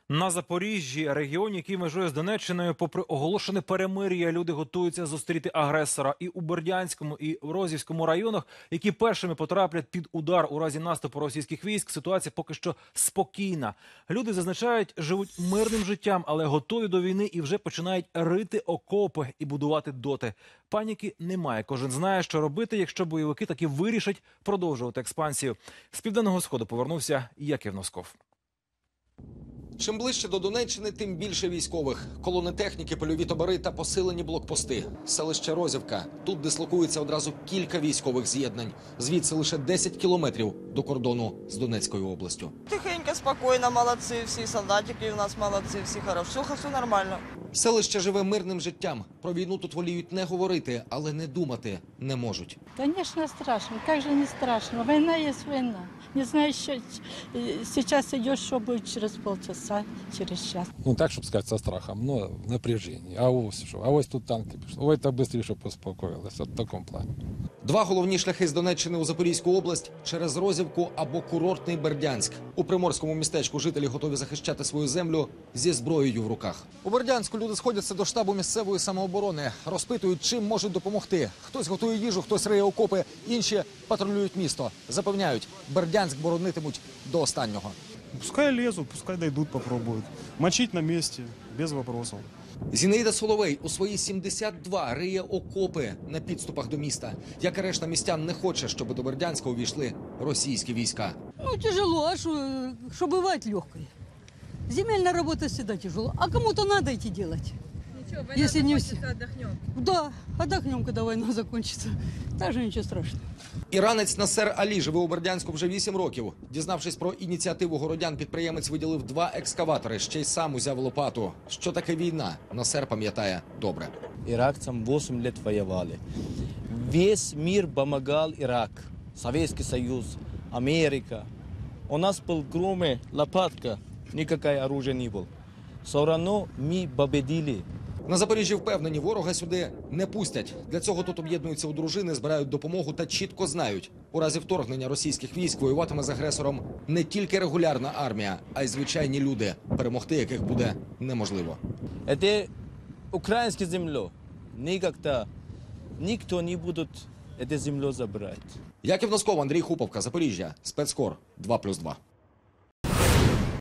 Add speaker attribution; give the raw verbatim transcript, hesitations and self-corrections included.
Speaker 1: На Запоріжжі, регіоні, який межує з Донеччиною, попри оголошене перемир'я, люди готуються зустріти агресора. І у Бердянському, і в Розівському районах, які першими потраплять під удар у разі наступу російських військ, ситуація поки що спокійна. Люди, зазначають, живуть мирним життям, але готові до війни і вже починають рити окопи і будувати доти. Паніки немає. Кожен знає, що робити, якщо бойовики таки вирішать продовжувати експансію. З Південного Сходу повернувся Яків Носков.
Speaker 2: Чим ближче до Донеччини, тим більше військових. Колони техніки, польові табори та посилені блокпости. Селище Розівка. Тут дислокується одразу кілька військових з'єднань. Звідси лише десять кілометрів до кордону з Донецькою областю.
Speaker 3: Тихенько, спокійно, молодці, всі солдатики у нас молодці, всі хороші, все, все нормально.
Speaker 2: Селище живе мирним життям. Про війну тут воліють не говорити, але не думати не можуть.
Speaker 4: Конечно, страшно. Как же не страшно? Война есть война. Не знаю, что сейчас идешь, что будет через полчаса, через час.
Speaker 5: Ну так, щоб сказати, со страхом, но в напряжении. А ось що? А ось тут танки пішли. Ой, та швидше поспокоїлися. В такому плані.
Speaker 2: Два головні шляхи з Донеччини у Запорізьку область – через Розівку або курортний Бердянськ. У приморському містечку жителі готові захищати свою землю зі зброєю в руках. У Бердянську люди сходяться до штабу місцевої самооборони. Розпитують, чим можуть допомогти. Хтось готує їжу, хтось риє окопи, інші патрулюють місто. Запевняють, Бердянськ боронитимуть до останнього.
Speaker 6: Пускай лезут, пускай дойдут, попробуют. Мочить на месте, без вопросов.
Speaker 2: Зінаїда Соловей у свої сімдесят два риє окопи на підступах до міста. Як і решта містян, не хоче, щоб до Бердянська увійшли російські війська.
Speaker 7: Ну, тяжело, а что, что бывает легкое. Земельная работа всегда тяжело. А кому-то надо идти делать.
Speaker 8: Ничего, война
Speaker 7: Если не
Speaker 8: закончится, отдохнем.
Speaker 7: Да, отдохнем, когда война закончится. Даже ничего страшного.
Speaker 2: Іранець Насер Алі живе у Бердянську вже вісім років. Дізнавшись про ініціативу городян, підприємець виділив два екскаватори, ще й сам узяв лопату. Що таке війна, Насер пам'ятає добре.
Speaker 9: Иракцам восемь лет воевали. Весь мир помогал Ирак. Советский Союз, Америка. У нас был кроме лопатка, никакое оружие не было. Все равно мы победили.
Speaker 2: На Запоріжжі впевнені, ворога сюди не пустять. Для цього тут об'єднуються у дружини, збирають допомогу та чітко знають. У разі вторгнення російських військ воюватиме з агресором не тільки регулярна армія, а й звичайні люди, перемогти яких буде неможливо.
Speaker 9: Это украинская земля. Никогда никто не будет эту землю забрать.
Speaker 2: Яків Носков, Андрій Хуповка, Запоріжжя, Спецкор, два плюс два.